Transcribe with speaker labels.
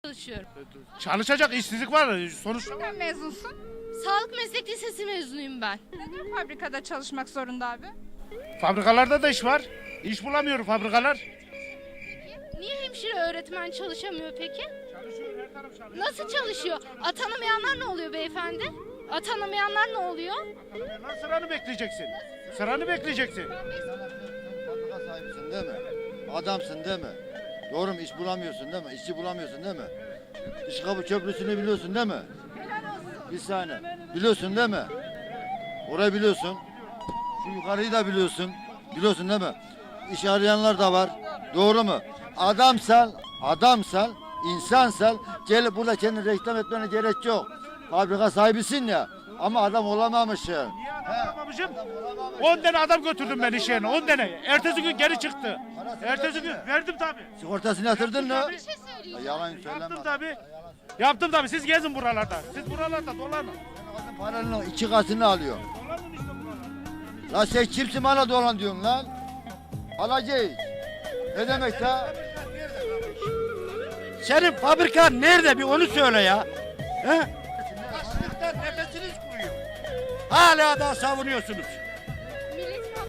Speaker 1: çalışıyorum.
Speaker 2: Çalışacak işsizlik var sonuçta.
Speaker 3: Nereden mezunsun?
Speaker 1: Sağlık meslek lisesi mezunuyum ben.
Speaker 3: Neden fabrikada çalışmak zorunda abi?
Speaker 2: Fabrikalarda da iş var. İş bulamıyor fabrikalar.
Speaker 1: Niye hemşire öğretmen çalışamıyor peki?
Speaker 2: Çalışıyor, her taraf çalışıyor.
Speaker 1: Nasıl çalışıyor? Atanamayanlar ne oluyor beyefendi? Atanamayanlar ne oluyor?
Speaker 2: Lan sıranı bekleyeceksin. Sıranı bekleyeceksin.
Speaker 4: Fabrika sahibisin değil mi? Adamsın değil mi? Doğru mu? İş bulamıyorsun değil mi? İşçi bulamıyorsun değil mi? İşkapı Köprüsü'nü biliyorsun değil mi? Bir saniye. Biliyorsun değil mi? Orayı biliyorsun. Şu yukarıyı da biliyorsun. Biliyorsun değil mi? İş arayanlar da var. Doğru mu? Adamsal, insansal gelip burada kendini reklam etmene gerek yok. Fabrika sahibisin ya. Ama adam olamamışsın.
Speaker 2: Niye adam olamamışım? 10 tane adam götürdüm ben iş yerine. 10 tane. Ertesi gün geri çıktı. Ertesi gün verdim tabii.
Speaker 4: Sigortasını yatırdın mı?
Speaker 1: Bir şey söyleyeceğim.
Speaker 4: Yalan söyleme.
Speaker 2: Yaptım tabii. Yaptım tabii. Siz gezin buralarda. Siz buralarda dolanın.
Speaker 4: Paranın 2 katını alıyor.
Speaker 2: Dolanın işte buralarda.
Speaker 4: Lan sen kimsin bana dolan diyorsun lan? Alacağız. Ne demek ya?
Speaker 5: Senin fabrikan nerede bir onu söyle ya. He?
Speaker 2: Açlıktan nefesiniz kuruyor.
Speaker 5: Hala da savunuyorsunuz.